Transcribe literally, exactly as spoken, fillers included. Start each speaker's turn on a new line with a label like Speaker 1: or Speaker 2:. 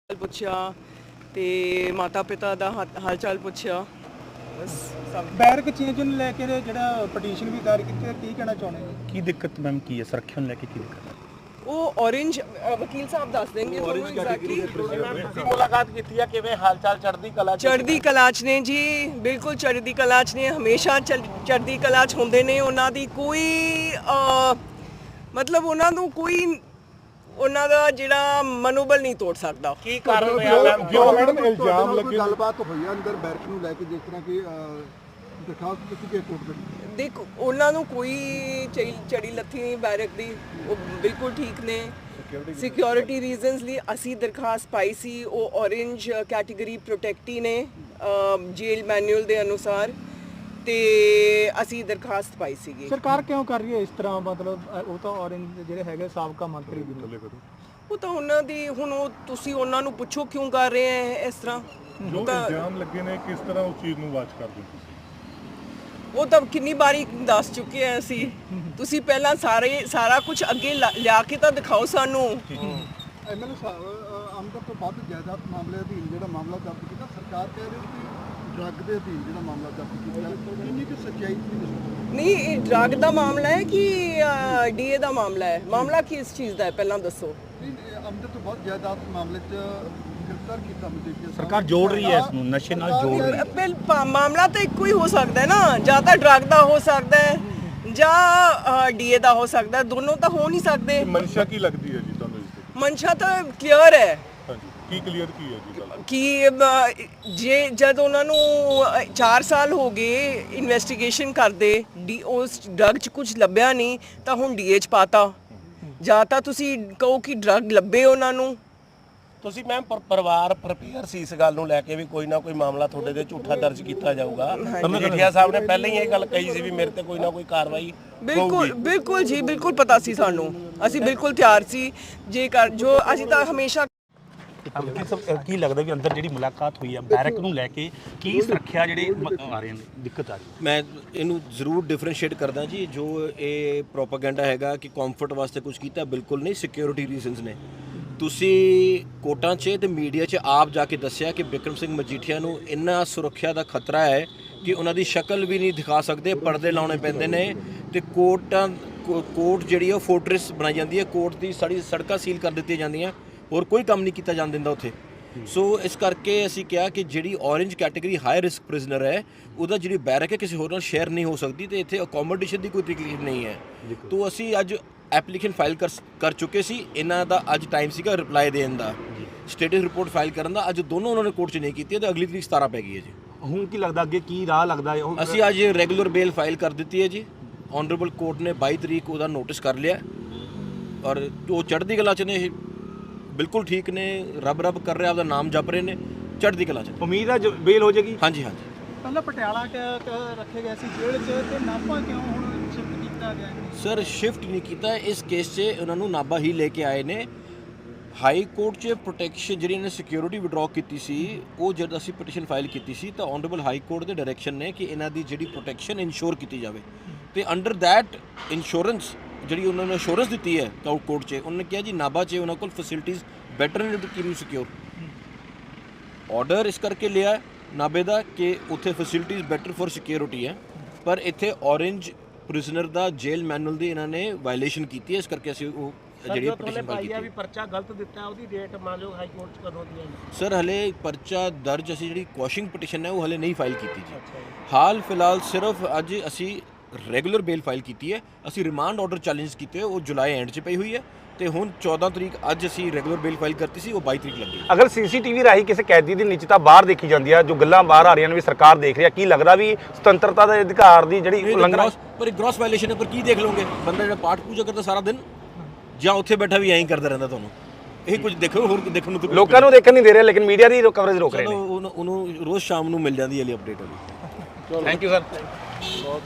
Speaker 1: ਪੁੱਛਿਆ ਤੇ ਮਾਤਾ ਪਿਤਾ ਦਾ ਹਾ- ਹਾਲ ਚਾਲ ਪੁੱਛਿਆ ਬਸ ਸਭ
Speaker 2: ਬੈਰਕ ਚੇਂਜ ਨੂੰ ਲੈ ਕੇ ਜਿਹੜਾ ਪਟੀਸ਼ਨ ਵੀ ਦਾਇਰ ਕੀਤੀ ਹੈ, ਕੀ ਕਹਿਣਾ ਚਾਹੁੰਦੇ ਹੋ?
Speaker 3: ਕੀ ਦਿੱਕਤ ਮੈਮ ਕੀ ਹੈ ਸੁਰੱਖਿਆ ਨੂੰ ਲੈ ਕੇ ਕੀ ਦਿੱਕਤ ਹੈ?
Speaker 1: ਉਹ orange ਅ, ਵਕੀਲ ਸਾਹਿਬ ਦੱਸ ਦੇਣਗੇ ਤੁਹਾਨੂੰ ਐਗਜ਼ੈਕਟਲੀ
Speaker 2: ਤੁਸੀਂ ਮੁਲਾਕਾਤ ਕੀਤੀ ਹੈ, ਕਿਵੇਂ ਹਾਲਚਾਲ ਚੜ੍ਹਦੀ ਕਲਾ ਚ?
Speaker 1: ਚੜ੍ਹਦੀ ਕਲਾ 'ਚ ਨੇ ਜੀ, ਬਿਲਕੁਲ ਚੜ੍ਹਦੀ ਕਲਾ 'ਚ ਨੇ, ਹਮੇਸ਼ਾ ਚੜ੍ਹ- ਚੜ੍ਹਦੀ ਕਲਾ 'ਚ ਹੁੰਦੇ ਨੇ। ਉਹਨਾਂ ਦੀ ਕੋਈ ਅ, ਮਤਲਬ ਉਹਨਾਂ ਨੂੰ ਕੋਈ ਉਹਨਾਂ ਦਾ ਜਿਹੜਾ ਮਨੋਬਲ ਨਹੀਂ ਤੋੜ ਸਕਦਾ।
Speaker 2: ਕੀ ਕਾਰਨ ਰਿਹਾ ਮੈਮ?
Speaker 4: ਜੋ ਮੈਡਮ ਇਲਜ਼ਾਮ ਲੱਗੇ ਗੱਲਬਾਤ ਹੋਈ ਆ ਅੰਦਰ ਬੈਰਕ ਨੂੰ ਲੈ ਕੇ, ਜਿਸ ਤਰ੍ਹਾਂ ਕਿ ਦਰਖਾਸਤ ਦਿੱਤੀ ਗਈ ਕੋਰਟ ਦੇ।
Speaker 1: ਦੇਖ ਉਹਨਾਂ ਨੂੰ ਕੋਈ ਚੜੀ ਚੜੀ ਲੱਥੀ ਨਹੀਂ ਬੈਰਕ ਦੀ, ਉਹ ਬਿਲਕੁਲ ਠੀਕ ਨੇ। ਸਿਕਿਉਰਿਟੀ ਰੀਜ਼ਨਸ ਲਈ ਅਸੀਂ ਦਰਖਾਸਤ ਪਾਈ ਸੀ, ਉਹ ਔਰੇਂਜ ਕੈਟਾਗਰੀ ਪ੍ਰੋਟੈਕਟੀ ਨੇ ਜੇਲ ਮੈਨੂਅਲ ਦੇ ਅਨੁਸਾਰ, ਤੇ ਅਸੀਂ ਦਰਖਾਸਤ ਪਾਈ ਸੀਗੀ।
Speaker 2: ਸਰਕਾਰ ਕਿਉਂ ਕਰ ਰਹੀ ਹੈ ਇਸ ਤਰ੍ਹਾਂ? ਮਤਲਬ ਅ, ਉਹ ਤਾਂ ਔਰੰਜ ਜਿਹੜੇ ਹੈਗੇ ਸਾਬਕਾ ਮੰਤਰੀ ਵੀ ਨੇ।
Speaker 1: ਉਹ ਤਾਂ ਉਹਨਾਂ ਦੀ ਹੁਣ ਉਹ ਤੁਸੀਂ ਉਹਨਾਂ ਨੂੰ ਪੁੱਛੋ ਕਿਉਂ ਕਰ ਰਹੇ ਹੈ ਇਸ ਤਰ੍ਹਾਂ।
Speaker 5: ਜੋ
Speaker 1: ਉਹ ਤਾਂ
Speaker 5: ਇਲਜ਼ਾਮ ਲੱਗੇ ਨੇ ਕਿਸ ਤਰ੍ਹਾਂ ਉਸ ਚੀਜ਼ ਨੂੰ ਵਾਚ ਕਰਦੇ ਹੋ ਤੁਸੀਂ?
Speaker 1: ਉਹ ਤਾਂ ਕਿੰਨੀ ਵਾਰੀ ਦੱਸ ਚੁੱਕੇ ਆ ਅਸੀਂ। ਤੁਸੀਂ ਪਹਿਲਾਂ ਸਾਰੇ ਸਾਰਾ ਕੁਝ ਅੱਗੇ ਲਾ- ਲਿਆ ਕੇ ਤਾਂ ਦਿਖਾਓ ਸਾਨੂੰ।
Speaker 4: ਐਮਐਲਏ ਸਾਹਿਬ ਅ, ਆਮਦਨ ਤੋਂ ਵੱਧ ਜਾਇਦਾਦ ਮਾਮਲੇ ਅਧੀਨ ਜਿਹੜਾ ਮਾਮਲਾ ਦਰਜ ਕੀਤਾ, ਸਰਕਾਰ ਕਹਿ ਰਹੀ ਹੈ ਕਿ ਡਰੱਗ ਦੇ ਅਧੀਨ ਜਿਹੜਾ ਮਾਮਲਾ ਦਰਜ ਕੀਤਾ, ਕਿੰਨੀ ਕੁ ਸੱਚਾਈ ਸੀ ਦੱਸੋ?
Speaker 1: ਨਹੀਂ, ਇਹ ਡਰੱਗ ਦਾ ਮਾਮਲਾ ਹੈ ਕਿ ਡੀਏ ਦਾ ਮਾਮਲਾ ਹੈ? ਮਾਮਲਾ ਕਿਸ ਚੀਜ਼ ਦਾ ਹੈ ਪਹਿਲਾਂ ਦੱਸੋ।
Speaker 4: ਨਹੀਂ, ਇਹ ਆਮਦਨ ਤੋਂ ਵੱਧ ਜਾਇਦਾਦ ਮਾਮਲੇ 'ਚ ਗ੍ਰਿਫਤਾਰ ਕੀਤਾ ਮਜੀਠੀਆ ਸਾਹਿਬ।
Speaker 3: ਸਰਕਾਰ ਜੋੜ ਰਹੀ ਹੈ ਇਸ ਨੂੰ, ਨਸ਼ੇ ਨਾਲ ਜੋੜ ਰਹੀ ਹੈ।
Speaker 1: ਬਿਲ ਪਾ- ਮਾਮਲਾ ਤਾਂ ਇੱਕੋ ਹੀ ਹੋ ਸਕਦਾ ਹੈ ਨਾ, ਜਾਂ ਤਾਂ ਡਰੱਗ ਦਾ ਹੋ ਸਕਦਾ ਹੈ ਜਾਂ ਡੀਏ ਦਾ ਹੋ ਸਕਦਾ ਹੈ, ਦੋਨੋਂ ਤਾਂ ਹੋ ਨਹੀਂ ਸਕਦੇ।
Speaker 5: ਮਨਸ਼ਾ ਕੀ ਲੱਗਦੀ ਹੈ ਜੀ ਤੁਹਾਨੂੰ ਇਸ ਦੀ?
Speaker 1: ਮਨਸ਼ਾ ਤਾਂ ਕਲੀਅਰ ਹੈ
Speaker 5: ਹਾਂਜੀ, ਕੀ ਕਲੀਅਰ ਕੀ ਹੈ ਜੀ ਗੱਲ?
Speaker 1: ਕਿ ਅ, ਜੇ ਜਦ ਉਹਨਾਂ ਨੂੰ ਚਾਰ ਸਾਲ ਹੋ ਗਏ ਇਨਵੈਸਟੀਗੇਸ਼ਨ ਕਰਦੇ, ਡੀ ਉਸ ਡਰੱਗ 'ਚ ਕੁਝ ਲੱਭਿਆ ਨਹੀਂ ਤਾਂ ਹੁਣ ਡੀਏ 'ਚ ਪਾਤਾ। ਜਾਂ ਤਾਂ ਤੁਸੀਂ ਕਹੋ ਕਿ ਡਰੱਗ ਲੱਭੇ ਉਹਨਾਂ ਨੂੰ।
Speaker 6: ਤੁਸੀਂ ਮੈਮ ਪਰਿਵਾਰ ਪ੍ਰਪੇਅਰ ਸੀ ਇਸ ਗੱਲ ਨੂੰ ਲੈ ਕੇ ਵੀ ਕੋਈ ਨਾ ਕੋਈ ਮਾਮਲਾ ਤੁਹਾਡੇ ਤੇ ਝੂਠਾ ਦਰਜ ਕੀਤਾ ਜਾਊਗਾ? ਮਜੀਠੀਆ ਸਾਹਿਬ ਨੇ ਪਹਿਲਾਂ ਹੀ ਇਹ ਗੱਲ ਕਹੀ ਸੀ ਵੀ ਮੇਰੇ ਤੇ ਕੋਈ ਨਾ ਕੋਈ ਕਾਰਵਾਈ
Speaker 1: ਬਿਲਕੁਲ ਬਿਲਕੁਲ ਜੀ, ਬਿਲਕੁਲ ਪਤਾ ਸੀ ਸਾਨੂੰ, ਅਸੀਂ ਬਿਲਕੁਲ ਤਿਆਰ ਸੀ ਜੇ ਕਰ ਜੋ ਅਸੀਂ ਤਾਂ ਹਮੇਸ਼ਾ।
Speaker 3: ਕੀ ਸਭ ਕੀ ਲੱਗਦਾ ਵੀ ਅੰਦਰ ਜਿਹੜੀ ਮੁਲਾਕਾਤ ਹੋਈ ਹੈ ਬੈਰਕ ਨੂੰ ਲੈ ਕੇ ਕੀ ਸੁਰੱਖਿਆ ਜਿਹੜੇ ਮ- ਆ ਰਹੇ ਨੇ ਦਿੱਕਤ ਆ ਰਹੀ ਹੈ?
Speaker 6: ਮੈਂ ਇਹਨੂੰ ਜ਼ਰੂਰ ਡਿਫਰੈਂਸ਼ੀਏਟ ਕਰਦਾ ਜੀ। ਜੋ ਇਹ ਪ੍ਰੋਪਾਗੈਂਡਾ ਹੈਗਾ ਕਿ ਕੰਫਰਟ ਵਾਸਤੇ ਕੁਝ ਕੀਤਾ, ਬਿਲਕੁਲ ਨਹੀਂ। ਸਿਕਿਉਰਿਟੀ ਰੀਜ਼ਨਸ ਨੇ। ਤੁਸੀਂ ਕੋਰਟਾਂ 'ਚ ਤੇ ਮੀਡੀਆ 'ਚ ਆਪ ਜਾ ਕੇ ਦੱਸਿਆ ਕਿ ਬਿਕਰਮ ਸਿੰਘ ਮਜੀਠੀਆ ਨੂੰ ਇੰਨਾ ਸੁਰੱਖਿਆ ਦਾ ਖਤਰਾ ਹੈ ਕਿ ਉਹਨਾਂ ਦੀ ਸ਼ਕਲ ਵੀ ਨਹੀਂ ਦਿਖਾ ਸਕਦੇ, ਪਰਦੇ ਲਾਉਣੇ ਪੈਂਦੇ ਨੇ, ਤੇ ਕੋਰਟਾਂ ਕੋਰਟ ਜਿਹੜੀ ਉਹ ਫੋਰਟ੍ਰੈਸ ਬਣਾਈ ਜਾਂਦੀ ਹੈ, ਕੋਰਟ ਦੀ ਸਾਰੀ ਸੜਕਾਂ ਸੀਲ ਕਰ ਦਿੱਤੀਆਂ ਜਾਂਦੀਆਂ, ਹੋਰ ਕੋਈ ਕੰਮ ਨਹੀਂ ਕੀਤਾ ਜਾਣ ਦਿੰਦਾ ਉੱਥੇ। ਸੋ ਇਸ ਕਰਕੇ ਅਸੀਂ ਕਿਹਾ ਕਿ ਜਿਹੜੀ orange category high risk prisoner ਹੈ, ਉਹਦਾ ਜਿਹੜੀ ਬੈਰਕ ਹੈ ਕਿਸੇ ਹੋਰ ਨਾਲ ਸ਼ੇਅਰ ਨਹੀਂ ਹੋ ਸਕਦੀ, ਤੇ ਇੱਥੇ ਅਕੋਮੋਡੇਸ਼ਨ ਦੀ ਕੋਈ ਤਕਲੀਫ ਨਹੀਂ ਹੈ। ਤੋ ਅਸੀਂ ਅੱਜ ਐਪਲੀਕੇਸ਼ਨ ਫਾਈਲ ਕਰ ਕਰ ਚੁੱਕੇ ਸੀ। ਇਹਨਾਂ ਦਾ ਅੱਜ ਟਾਈਮ ਸੀਗਾ ਰਿਪਲਾਈ ਦੇਣ ਦਾ, ਸਟੇਟਸ ਰਿਪੋਰਟ ਫਾਈਲ ਕਰਨ ਦਾ। ਅੱਜ ਦੋਨੋਂ ਉਹਨਾਂ ਨੇ ਕੋਰਟ 'ਚ ਨਹੀਂ ਕੀਤੀ ਤੇ ਅਗਲੀ ਤਰੀਕ ਸਤਾਰਾਂ ਪੈ ਗਈ ਹੈ ਜੀ।
Speaker 3: ਹੁਣ ਕੀ ਲੱਗਦਾ ਅੱਗੇ ਕੀ ਰਾਹ ਲੱਗਦਾ ਹੈ? ਉਹ
Speaker 6: ਅਸੀਂ ਅੱਜ ਰੈਗੂਲਰ ਬੇਲ ਫਾਈਲ ਕਰ ਦਿੱਤੀ ਹੈ ਜੀ। ਆਨਰੇਬਲ ਕੋਰਟ ਨੇ ਬਾਈ ਤਰੀਕ ਉਹਦਾ ਨੋਟਿਸ ਕਰ ਲਿਆ, ਔਰ ਉਹ ਚੜ੍ਹਦੀ ਕਲਾ 'ਚ ਨੇ, ਇਹ ਬਿਲਕੁਲ ਠੀਕ ਨੇ, ਰੱਬ ਰੱਬ ਕਰ ਰਿਹਾ, ਆਪਦਾ ਨਾਮ ਜਪ ਰਹੇ ਨੇ, ਚੜ੍ਹਦੀ ਕਲਾ 'ਚ।
Speaker 3: ਉਮੀਦ ਹੈ ਬੇਲ ਹੋ ਜਾਏਗੀ?
Speaker 6: ਹਾਂਜੀ ਹਾਂਜੀ।
Speaker 2: ਪਹਿਲਾਂ ਪਟਿਆਲਾ ਕ- ਕ- ਰੱਖੇ ਗਏ ਸੀ ਜੇਲ੍ਹ 'ਚ, ਤੇ ਨਾਭਾ ਕਿਉਂ ਹੁਣ ਸ਼ਿਫਟ ਕੀਤਾ ਗਿਆ?
Speaker 6: ਸਰ ਸ਼ਿਫਟ ਨਹੀਂ ਕੀਤਾ ਇਸ ਕੇਸ 'ਚ, ਉਹਨਾਂ ਨੂੰ ਨਾਭਾ ਹੀ ਲੈ ਕੇ ਆਏ ਨੇ। ਹਾਈ ਕੋਰਟ 'ਚ ਪ੍ਰੋਟੈਕਸ਼ਨ ਜਿਹੜੀ ਇਹਨੇ ਸਿਕਿਉਰਿਟੀ ਵਿਡਰਾਅ ਕੀਤੀ ਸੀ, ਉਹ ਜਦ ਅਸੀਂ ਪਟੀਸ਼ਨ ਫਾਈਲ ਕੀਤੀ ਸੀ ਤਾਂ ਆਨਰੇਬਲ ਹਾਈ ਕੋਰਟ ਦੇ ਡਾਇਰੈਕਸ਼ਨ ਨੇ ਕਿ ਇਹਨਾਂ ਦੀ ਜਿਹੜੀ ਪ੍ਰੋਟੈਕਸ਼ਨ ਇਨਸ਼ੋਰ ਕੀਤੀ ਜਾਵੇ, ਤੇ ਅੰਡਰ ਦੈਟ ਇੰਸ਼ੋਰੈਂਸ ਜਿਹੜੀ ਉਹਨਾਂ ਨੇ ਅਸ਼ੋਰੈਂਸ ਦਿੱਤੀ ਹੈ ਕੋਰਟ 'ਚ, ਉਹਨਾਂ ਨੇ ਕਿਹਾ ਜੀ ਨਾਭਾ 'ਚ ਉਹਨਾਂ ਕੋਲ ਫੈਸਿਲਿਟੀਜ਼ ਬੈਟਰ ਨੇ to keep you secure. Order ਇਸ ਕਰਕੇ ਲਿਆ ਨਾਭੇ ਦਾ ਕਿ ਉੱਥੇ ਫੈਸਿਲਿਟੀਜ਼ ਬੈਟਰ ਫॉर ਸਿਕਿਉਰਿਟੀ ਹੈ, ਪਰ ਇੱਥੇ ਔਰੇਂਜ ਪ੍ਰਿਜ਼ਨਰ ਦਾ ਜੇਲ ਮੈਨੂਅਲ ਦੀ ਇਹਨਾਂ ਨੇ ਵਾਇਲੇਸ਼ਨ ਕੀਤੀ ਹੈ। ਇਸ ਕਰਕੇ ਅਸੀਂ ਉਹ ਜਿਹੜੀ ਪਟੀਸ਼ਨ ਫਾਈਲ ਕੀਤੀ ਹੈ।
Speaker 2: ਪਰਚਾ ਗਲਤ ਦਿੱਤਾ, ਉਹਦੀ ਡੇਟ ਮੰਨ ਲਓ ਹਾਈ ਕੋਰਟ 'ਚ ਕਦੋਂ ਦੀ ਹੈ?
Speaker 6: ਸਰ ਹਲੇ ਪਰਚਾ ਦਰਜ, ਅਸੀਂ ਜਿਹੜੀ ਕੁਐਸ਼ਿੰਗ ਪਟੀਸ਼ਨ ਹੈ ਉਹ ਹਲੇ ਨਹੀਂ ਫਾਈਲ ਕੀਤੀ ਜੀ। ਹਾਲ ਫਿਲਹਾਲ ਸਿਰਫ ਅੱਜ ਅਸੀਂ ਰੈਗੂਲਰ ਬੇਲ ਫਾਈਲ ਕੀਤੀ ਹੈ। ਅਸੀਂ ਰਿਮਾਂਡ ਆਰਡਰ ਚੈਲੰਜ ਕੀਤੇ, ਉਹ ਜੁਲਾਈ ਐਂਡ 'ਚ ਪਈ ਹੋਈ ਹੈ, ਤੇ ਹੁਣ ਚੌਦਾਂ ਤਰੀਕ ਅੱਜ ਅਸੀਂ ਰੈਗੂਲਰ ਬੇਲ ਫਾਈਲ ਕਰਤੀ ਸੀ, ਉਹ ਬਾਈ ਤਰੀਕ ਲੱਗੀ।
Speaker 7: ਅਗਰ ਸੀਸੀਟੀਵੀ ਰਾਹੀਂ ਕਿਸੇ ਕੈਦੀ ਦੀ ਨਿੱਜਤਾ ਬਾਹਰ ਦੇਖੀ ਜਾਂਦੀ ਹੈ, ਜੋ ਗੱਲਾਂ ਬਾਹਰ ਆ ਰਹੀਆਂ ਨੇ ਵੀ ਸਰਕਾਰ ਦੇਖ ਰਹੀ ਹੈ, ਕੀ ਲੱਗਦਾ ਵੀ ਸੁਤੰਤਰਤਾ ਦੇ ਅਧਿਕਾਰ ਦੀ ਜਿਹੜੀ ਉਲੰਘਣਾ?
Speaker 6: ਪਰ ਗ੍ਰੋਸ ਵਾਇਲੇਸ਼ਨ ਹੈ, ਪਰ ਕੀ ਦੇਖ ਲਓਗੇ? ਬੰਦਾ ਜਿਹੜਾ ਪਾਠ ਪੂਜਾ ਕਰਦਾ ਸਾਰਾ ਦਿਨ, ਜਾਂ ਉੱਥੇ ਬੈਠਾ ਵੀ ਐਂ ਹੀ ਕਰਦਾ ਰਹਿੰਦਾ, ਤੁਹਾਨੂੰ ਇਹ ਕੁਝ ਦੇਖੋ, ਹੋਰ ਦੇਖਣ ਨੂੰ ਤਾਂ ਕੁਝ
Speaker 7: ਲੋਕਾਂ ਨੂੰ ਦੇਖਣ ਨਹੀਂ ਦੇ ਰਹੇ, ਲੇਕਿਨ ਮੀਡੀਆ ਦੀ ਕਵਰੇਜ ਰੋਕ ਰਹੇ
Speaker 6: ਚਲੋ
Speaker 7: ਨੇ।
Speaker 6: ਉਹਨੂੰ ਉਹਨੂੰ ਰੋਜ਼ ਸ਼ਾਮ ਨੂੰ ਮਿਲ ਜਾਂਦੀ ਹੈ ਲਈ ਅਪਡੇਟ ਵਾਲੀ।
Speaker 7: Thank you sir.